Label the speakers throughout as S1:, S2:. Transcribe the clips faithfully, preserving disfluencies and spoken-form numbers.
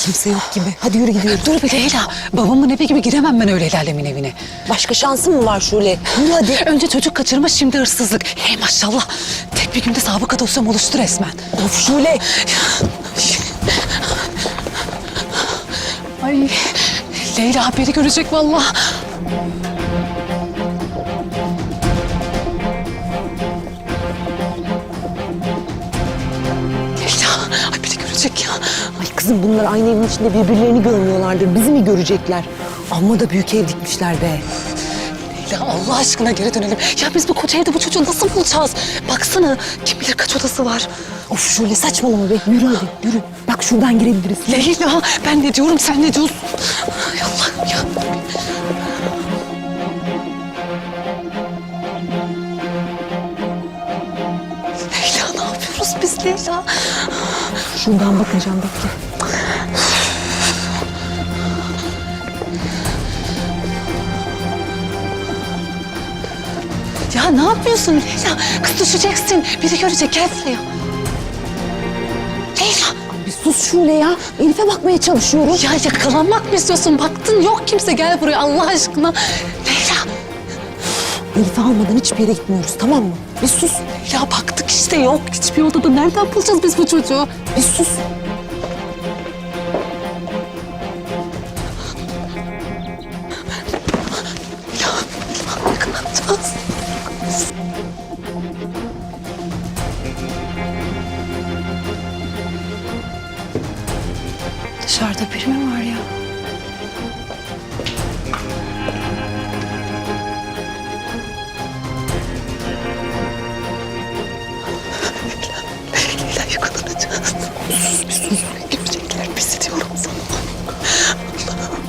S1: Kimse yok gibi. Hadi yürü gidiyoruz.
S2: Dur bir Leyla. Babamın evi gibi giremem ben öyle el alemin evine.
S1: Başka şansın mı var Şule? Yürü hadi.
S2: Önce çocuk kaçırma, şimdi hırsızlık. Hey maşallah. Tek bir günde sabıka dosyam oluştu resmen.
S1: Of Şule.
S2: Ay Leyla haberi görecek vallahi. Leyla haberi görecek ya.
S1: Ay kızım bunlar aynı evin içinde birbirlerini görmüyorlardır. Bizi mi görecekler? Amma da büyük ev dikmişler be.
S2: Leyla Allah aşkına geri dönelim. Ya biz bu koca evde bu çocuğu nasıl bulacağız? Baksana kim bilir kaç odası var.
S1: Of Şule saçmalama be. Yürü hadi yürü. Bak şuradan girebiliriz.
S2: Leyla ben ne diyorum sen ne diyorsun? Ay Allah'ım ya. Leyla ne yapıyoruz biz Leyla?
S1: Şuradan bakacağım bekle.
S2: Ya ne yapıyorsun Leyla? Kız düşeceksin. Biri görecek gel buraya. Leyla.
S1: Bir sus Şule ya. Elif'e bakmaya çalışıyorum.
S2: Ya yakalanmak mı istiyorsun? Baktın yok kimse gel buraya Allah aşkına. Leyla.
S1: Elif'i almadan hiçbir yere gitmiyoruz tamam mı? Bir sus.
S2: Ya baktık işte yok. Hiçbir odada nereden bulacağız biz bu çocuğu?
S1: Bir sus.
S2: Ya ne yapacağız? Dışarıda biri mi var ya? Leyla yakalanacağız. Sus bir sus. Görecekler bizi diyorum sana. Allah'ım.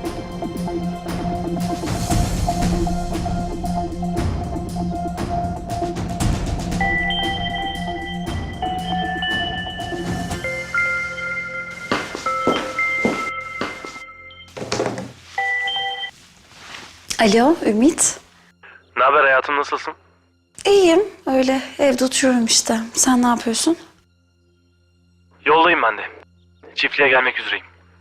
S2: Alo Ümit.
S3: Ne haber hayatım, nasılsın?
S4: İyiyim. Öyle evde oturuyorum işte. Sen ne yapıyorsun?
S3: Yoldayım ben de. Çiftliğe gelmek üzereyim.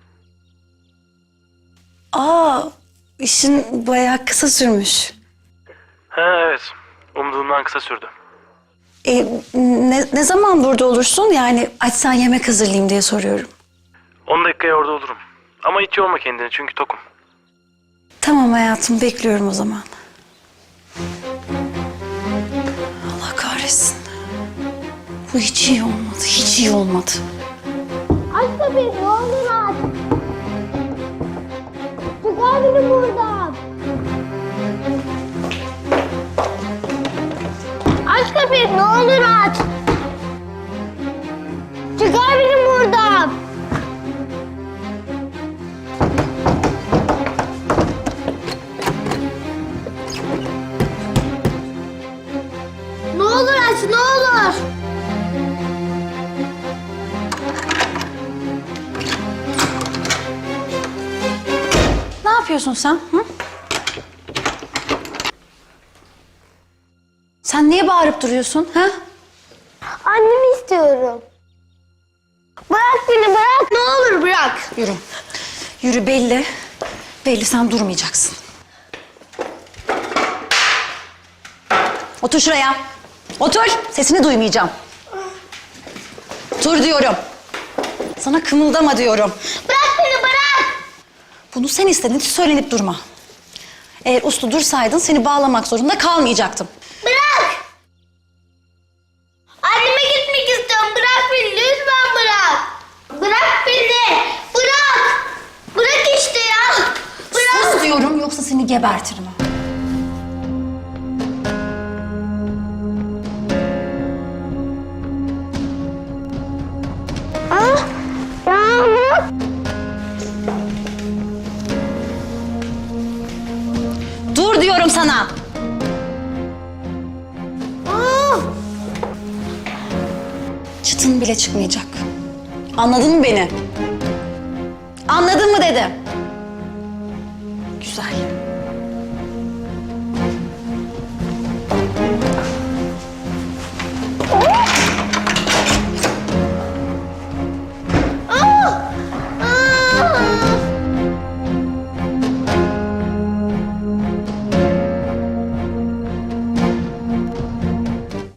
S4: Aa, işin bayağı kısa sürmüş.
S3: Ha evet. Umduğumdan kısa sürdü.
S4: E, ne, ne zaman burada olursun? Yani açsan yemek hazırlayayım diye soruyorum.
S3: on dakikaya orada olurum. Ama hiç yorma kendini çünkü tokum.
S4: Tamam hayatım, bekliyorum o zaman. Allah kahretsin. Bu hiç iyi olmadı, hiç iyi olmadı.
S5: Aç kapıyı ne olur aç. Çıkar beni buradan. Aç kapıyı ne olur aç. Çıkar beni buradan. Ne olur aç ne olur.
S4: Ne yapıyorsun sen? Hı? Sen niye bağırıp duruyorsun? Ha?
S5: Annemi istiyorum. Bırak beni bırak. Ne olur bırak.
S4: Yürü. Yürü belli. Belli sen durmayacaksın. Otur şuraya. Otur. Sesini duymayacağım. Otur diyorum. Sana kımıldama diyorum.
S5: Bırak beni bırak.
S4: Bunu sen istedin, hiç söylenip durma. Eğer uslu dursaydın seni bağlamak zorunda kalmayacaktım.
S5: Bırak. Anneme gitmek istiyorum. Bırak beni lütfen bırak. Bırak beni. Bırak. Bırak işte ya. Bırak.
S4: Sus diyorum yoksa seni gebertirim.
S5: Ah. Yağmur.
S4: Dur diyorum sana.
S5: Ah.
S4: Çıtın bile çıkmayacak. Anladın mı beni? Anladın mı dedim. Güzel.